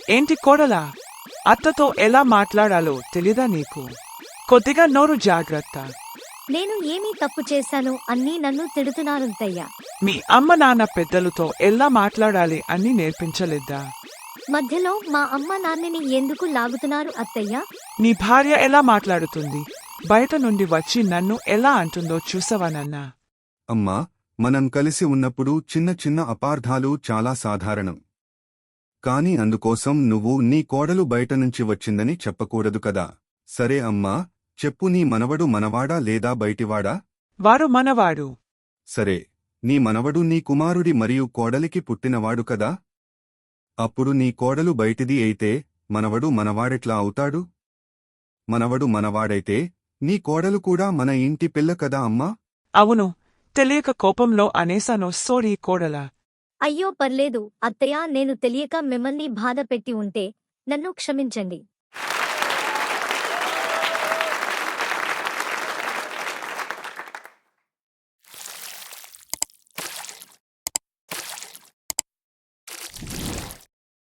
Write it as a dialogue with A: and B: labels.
A: ఏంటి కోడలా? అత్తతో ఎలా మాట్లాడాలో తెలీదా నీకు? కొద్దిగా నోరు జాగ్రత్త.
B: నేను ఏమీ తప్పు చేశాను అన్నీ నన్ను తిడుతున్నారత్తయ్య.
A: మీ అమ్మ నాన్న పెద్దలతో ఎలా మాట్లాడాలి అని నేర్పించలేదా?
B: మధ్యలో మా అమ్మ నాన్నని ఎందుకు లాగుతున్నారు అత్తయ్య?
A: నీ భార్య ఎలా మాట్లాడుతుంది? బయట నుండి వచ్చి నన్ను ఎలా అంటుందో చూసావా నాన్నా?
C: అమ్మా, మనం కలిసి ఉన్నప్పుడు చిన్న చిన్న అపార్థాలు చాలా సాధారణం. కాని అందుకోసం నువ్వు నీ కోడలు బయటనుంచి వచ్చిందని చెప్పకూడదు కదా. సరే అమ్మా, చెప్పు, నీ మనవడు మనవాడా లేదా బయటివాడా?
A: వారు మనవాడు.
C: సరే, నీ మనవడు నీ కుమారుడి మరియు కోడలికి పుట్టినవాడు కదా. అప్పుడు నీ కోడలు బయటిది అయితే మనవడు మనవాడెట్లా అవుతాడు? మనవడు మనవాడైతే నీ కోడలు కూడా మన ఇంటి పిల్ల కదా అమ్మా.
A: అవును, తెలియక కోపంలో అనేసాను, సోరీ కోడలా.
B: అయ్యో పర్లేదు అత్తయ్య, నేను తెలియక మిమ్మల్ని బాధ పెట్టి ఉంటే నన్ను క్షమించండి.